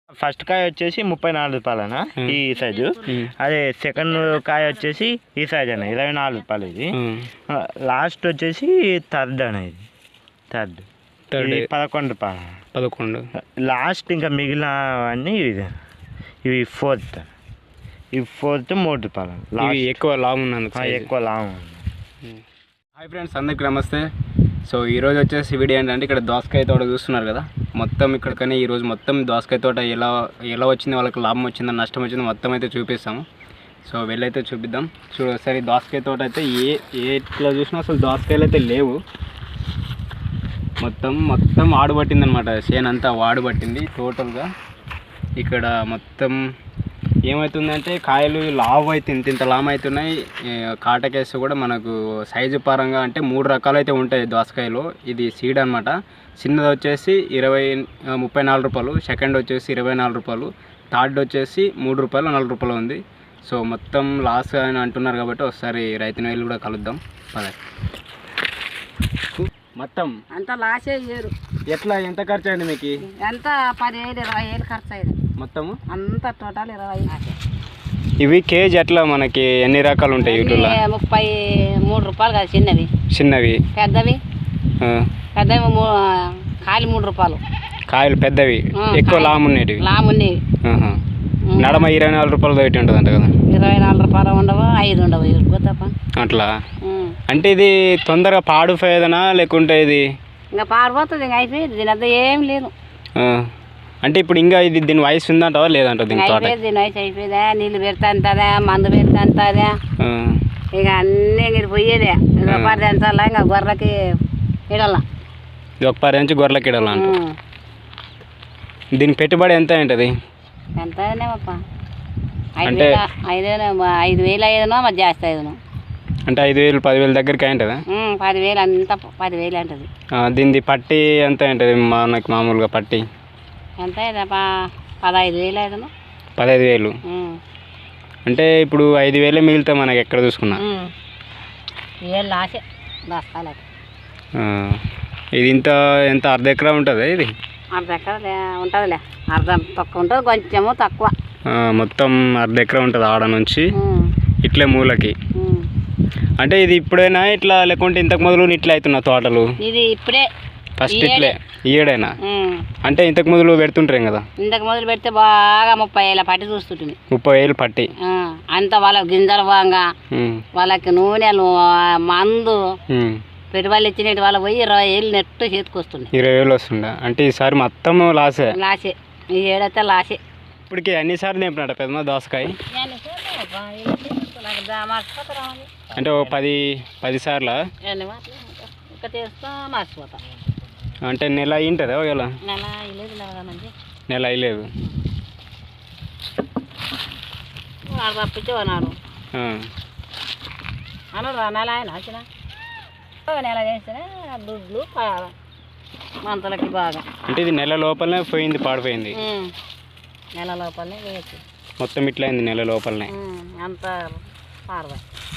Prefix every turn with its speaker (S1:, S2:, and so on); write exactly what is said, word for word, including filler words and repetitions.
S1: First కాయ వచ్చేసి ముప్పై నాలుగు రూపాయలనా ఈ సైజు. అదే సెకండ్ కాయ వచ్చేసి ఈ సైజ్ అన్న ఇరవై నాలుగు రూపాయలు. ఇది లాస్ట్ వచ్చేసి థర్డ్ అన్న. ఇది థర్డ్ థర్డ్ పదకొండు రూపాయలు. పదకొండు లాస్ట్. ఇంకా మిగిలినవన్నీ ఇది ఇవి ఫోర్త్. ఇవి ఫోర్త్ మూడు రూపాయలు. ఇవి ఎక్కువ లాంగ్ ఉన్నది, ఎక్కువ లాంగ్ ఉంది.
S2: హాయ్ ఫ్రెండ్స్, అందరికీ నమస్తే. సో ఈరోజు వచ్చేసి వీడియో ఏంటంటే ఇక్కడ దోసకాయ తోట చూస్తున్నారు కదా, మొత్తం ఇక్కడికనే ఈరోజు మొత్తం దోసకాయ తోట ఎలా ఎలా వచ్చింది, వాళ్ళకి లాభం వచ్చిందా నష్టం వచ్చిందో మొత్తం అయితే చూపిస్తాము. సో వెళ్ళైతే చూపిద్దాం. చూడు ఒకసారి దోసకాయ తోట అయితే ఏ ఎట్లా చూసినా అసలు దోసకాయలు అయితే లేవు. మొత్తం మొత్తం వాడుబట్టింది అనమాట, చేను అంతా వాడుబట్టింది టోటల్గా. ఇక్కడ మొత్తం ఏమవుతుందంటే కాయలు లావు అయితే ఇంత ఇంత లావు అవుతున్నాయి. కాటకేసి కూడా మనకు సైజు పరంగా అంటే మూడు రకాలు అయితే ఉంటాయి దోసకాయలు. ఇది సీడ్ అనమాట. చిన్నది వచ్చేసి ఇరవై ముప్పై నాలుగు రూపాయలు, సెకండ్ వచ్చేసి ఇరవై నాలుగు రూపాయలు, థర్డ్ వచ్చేసి మూడు రూపాయలు నాలుగు రూపాయలు ఉంది. సో మొత్తం లాస్ అని అంటున్నారు కాబట్టి ఒకసారి రైతుని వెళ్ళి కూడా కలుద్దాం పద. మొత్తం
S3: అంతా లాసే చేయరు.
S2: ఎట్లా ఎంత ఖర్చు అయింది మీకు?
S3: ఎంత పదివేలు ఇరవై వేలు ఖర్చు అయింది
S2: మొత్తము.
S3: అంతా టోటల్ ఇరవై.
S2: ఇవి కేజీ ఎట్లా మనకి ఎన్ని రకాలు ఉంటాయి? యూట్యూబ్లో
S3: ముప్పై మూడు రూపాయలు కదా చిన్నవి.
S2: చిన్నవి
S3: పెద్దవి పెద్దవి కాయలు మూడు రూపాయలు.
S2: కాయలు పెద్దవి ఎక్కువ లాము ఉండేవి.
S3: లాము ఉండేవి.
S2: నడమ ఇరవై నాలుగు రూపాయలు పెట్టి ఉంటుంది అంట కదా.
S3: ఇరవై నాలుగు రూపాయలు ఉండవు, ఐదు ఉండవు తప్ప.
S2: అట్లా అంటే ఇది తొందరగా పాడుపోయేదనా లేకుంటే ఇది
S3: ఇంకా పాడిపోతుంది? ఇంకా అయిపోయింది, దీని అంతా ఏం లేదు.
S2: అంటే ఇప్పుడు ఇంకా ఇది దీని వయసు ఉందంటావా లేదంట? దీని
S3: దీని వయసు అయిపోయిందా, నీళ్ళు పెడతా అంతదా, మందు పెడతా అంతదా, ఇక అన్నీ మీరు పోయేదే. ఇక పది అంచాలా, ఇంకా గొర్రెలకి ఇడల్లా,
S2: ఒక పది నుంచి గొర్రెలకి ఇడాల అంట. దీని పెట్టుబడి ఎంత ఉంటుంది?
S3: ఎంతనేమప్ప ఐదు ఐదు ఐదు వేలు ఐదునో మరి జాస్తి ఐదునో.
S2: అంటే ఐదు వేలు పదివేల దగ్గరికి అయింటుందా?
S3: పదివేలు అంత పదివేలు అంటుంది.
S2: దీనిది పట్టి ఎంత ఉంటుంది మనకి మామూలుగా? పట్టి
S3: ఎంత పదహైదు వేలు ఐదునో.
S2: పదహైదు వేలు అంటే ఇప్పుడు ఐదు వేలే మిగిలితే మనకి ఎక్కడ చూసుకున్నా
S3: వేలు లాసే దస్తాలే.
S2: ఇది ఇంత ఎంత అర్ధ ఎకరా ఉంటుందా? ఇది
S3: అర్ధ ఎకరా ఉంటుందిలే, అర్ధం తక్కువ ఉంటుంది, కొంచెము తక్కువ.
S2: మొత్తం అర్ధ ఎకరా ఉంటుంది ఆడ నుంచి ఇట్లే మూలకి. అంటే ఇది ఇప్పుడైనా ఇట్లా లేకుంటే ఇంతకు మొదలు ఇట్లా అవుతున్నా తోటలు?
S3: ఇది ఇప్పుడే
S2: ఫస్ట్ ఇట్లే ఈడైనా? అంటే ఇంతకు మొదలు పెడుతుంటాం కదా.
S3: ఇంతకు మొదలు పెడితే బాగా ముప్పై ఏళ్ళ పట్టి చూస్తుంటుంది.
S2: ముప్పై ఏళ్ళు పట్టి
S3: అంత వాళ్ళ గింజలు బాగా, వాళ్ళకి నూనెలు మందు పెట్టుబడులు ఇచ్చినట్టు వాళ్ళ పోయి ఇరవై ఏళ్ళు నెట్టు చేతికి వస్తుంది.
S2: ఇరవై వేలు వస్తుందా? అంటే ఈసారి మొత్తం లాసే.
S3: లాసే, ఈ ఏడైతే లాసే.
S2: ఇప్పటికి అన్ని సార్లు నింపినట్ట పెద్ద దోసకాయ? అంటే ఓ పది పది సార్లు
S3: మర్చిపోతా.
S2: అంటే నెల అయింటుందా? ఒకవేళ
S3: నెల అయ్యలేదు,
S2: నెల అయ్యలేదు
S3: తప్పించేవాడు అను. నెల ఆయన వచ్చిన నెల చేస్తేనే దుడ్లు మంతలకి బాగా.
S2: అంటే ఇది నెల లోపలనే పోయింది, పాడిపోయింది.
S3: నెల లోపలనే వేయచ్చు
S2: మొత్తం ఇట్లా అయింది నెల లోపలనే.
S3: అంత పారదా